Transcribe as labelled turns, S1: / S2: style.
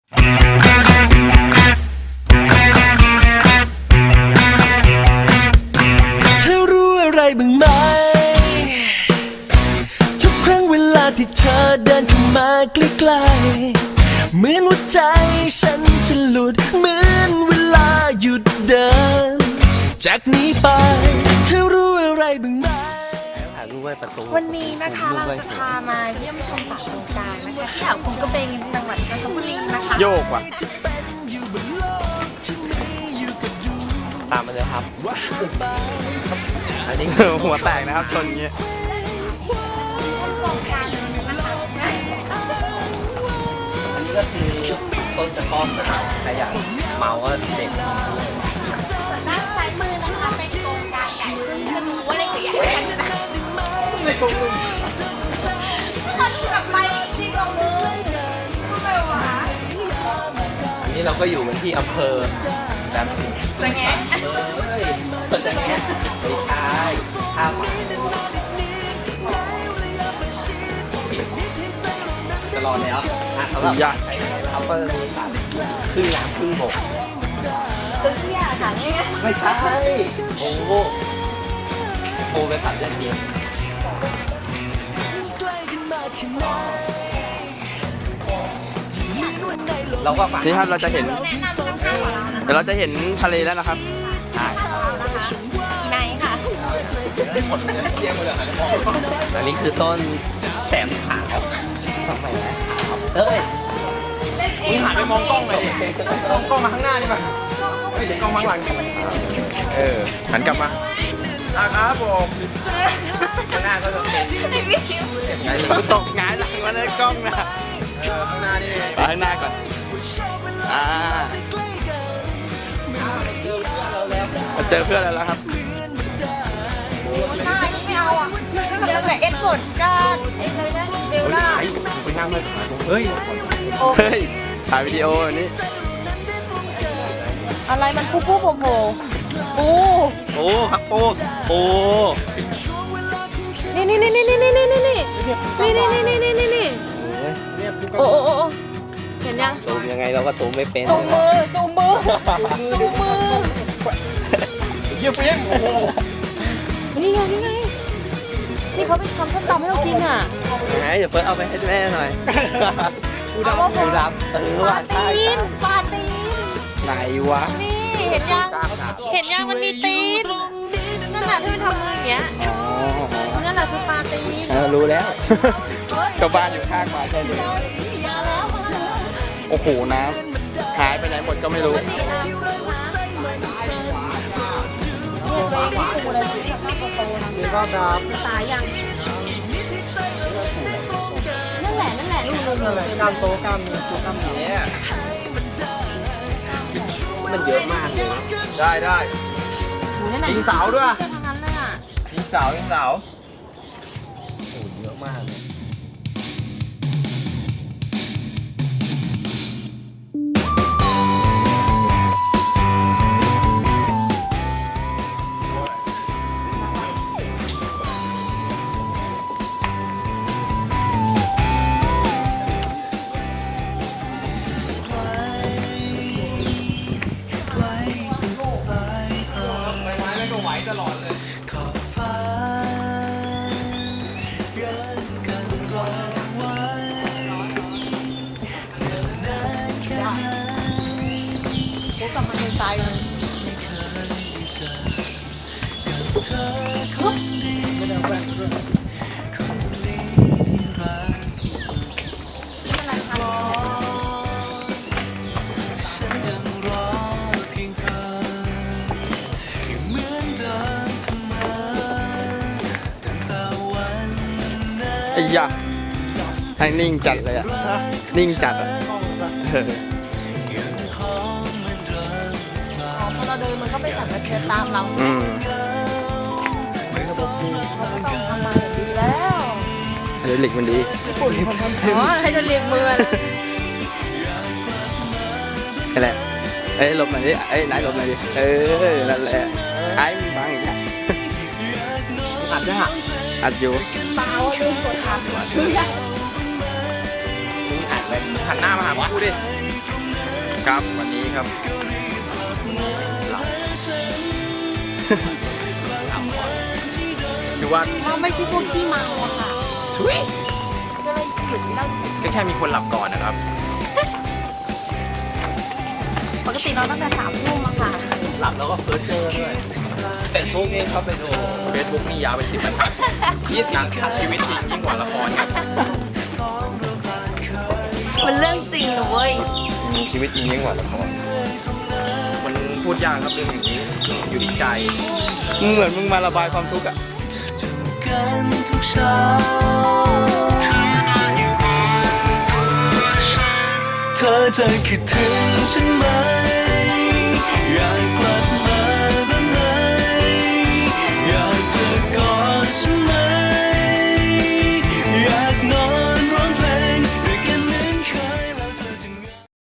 S1: เธอรู้อะไรบ้างไหมทุกครั้งเวลาที่เธอเดินเข้ามาใกล้ๆเหมือนหัวใจฉันจะหลุดเหมือนเวลาหยุดเดินจากนี้ไปเธอรู้อะไรบ้างไหม
S2: วันนี้นะคะเราจะพามาเยี่ยมชมป่าตรงกลางนะคะที่อ่าวคุ้งกระเบงจังหวัดจันทบุรีนะคะ
S3: โยกว่ะตามมาเลยครับอันนี้หัวแตกนะครับชนเงี้ย
S2: ตรงกลางนะคะ
S3: อันนี้ก็คือต้นสะท้อนนะครับใครอยากเมาก็เด็ก
S2: ด้านซ้ายมือนะคะเป็นโครงการใหญ่ซึ่งจะรู้ว่าเล็กหรือใหญ่กันจะ
S3: ในกรงมือ
S2: ถ้าดูกลับไปที่กรงมือทำไมวะ
S3: อันนี้เราก็อยู่กันที่อำเภอแบบ
S2: จะแงะ
S3: จะแงะไม่ใช่ท่าหมาจะรอแล้วเขาแบบเขาก็มีสัตว์ครึ่งน้ำครึ่งบก
S2: ตัวเที่ยค่ะเนี่ย
S3: ไม่ใช่โอ้โหเป็นสัตว์เลี้ยงเองเราก็นี่ครับเราจะเห็นเดี๋ยวเราจะเห็นทะเลแล้วนะครับ
S2: ไหนค่ะ
S3: อันนี้คือต้นแสมขาวทำไมนะเอ้ยมึงหันไปมองกล้องเลยมองกล้องมาข้างหน้านี่มาไม่เห็นกล้องข้างหลังหันกลับมาครับผมข้างหน้าก็จะเป็นตกงานหลังมาในกล้องนะข้างหน้านี่ไปข้างหน้าก่อนเจอเพื่อนแล้วครับ
S2: ไม่เอาอ่ะเจอแต่เอ็ดเวิร์ดกันเอ็ดเลยนะเบลล่า
S3: ไปนั่งเลยเฮ้ยถ่ายวิดีโออันนี้
S2: อะไรมันปูปูโผล่
S3: ครับปู
S2: นี่โอ้เห็นยัง
S3: ตูมยังไงเราก็ตูมไม่เป็น
S2: ตูมมือ
S3: เยี่ยมโอ้โห
S2: นี่ไงนี่เขาไปทำส้มตำให้เรากินอ่ะ
S3: ไหนเดี๋ยวเฟิร์สเอาไปให้แม่หน่อยดูดำ
S2: ปลาตีน
S3: ไหนวะ
S2: นี่เห็นยังมันมีตีนนั่นแหละที่มันทำอย่างเงี้ยนั่นแหละคือปลาตีน
S3: รู้แล้วก็บ้านอยู่ข้างมาใช่ไหมโอ้โหน้ำหายไปไหนหมดก็ไม่รู้นี่ก็ดาบ
S2: ตายยังนั่นแหละ
S3: กล้ามโตกล้ามนี้มันเยอะมากเลยได้ยิงเสาด้วยยิงเสาโอ้เยอะมากเลยตลอดเลยขอบฟ้าเดินกันรอไว้นานแค่ไหน
S2: กูกลับมาเป็นตายเลย
S1: ไม่เคยได้เจอกับเธอคนดีคนนี้ที่รักที่สุดฉันยังรอเพียงเธอเหมือนเดิมเสมอตั้งแต่วันนั้น
S3: ไอ้ยะให้นิ่งจัดเลยอ่ะนิ่งจัดอ่ะ
S2: พอเราเดินมันก็ไปสั่นกระเทือนตามเราเขาต้องทำมาอย่างดีแล้ว
S3: ไฮดรอลิกมันดี
S2: ญี่ปุ่นไฮดรอลิกมือ
S3: นั่นแหละหลบหน่อยดิไหนหลบหน่อยดินั่นแหละไอ้มึงฟังอีกแล้วอัดด้วยอัดอยู่
S2: เปล่าลืมกดอัดชื่อยัง
S3: มึงอัดเลยหันหน้ามาหากูดิครับวันนี้ครับหลับคือว่า
S2: เราไม่ใช่พวกขี้เมาอะค่ะ
S3: ทุย
S2: ก็เลยหยุดที่เรา
S3: ก็แค่มีคนหลับก่อนนะครับ
S2: ปกติเราตั้งแต่3 ทุ่มอะค่ะ
S3: หลับแล้วก็เพ้อเจอด้วยเป็นพวกนี้เขาไปดูเฟซบุ๊กนี่ยาวเป็น10 บรรทัดชีวิตจริงยิ่งกว่าละครครับ
S2: มันเรื่องจริงนะเว้ย
S3: ชีวิตจริงยิ่งกว่าละครมันพูดยากครับเรื่องอย่างนี้อยู่ที่ใจมึงเหมือนมึงมาระบายความทุกข์อะ
S1: กันทุกเช้าเธอจะคิดถึงฉันไหม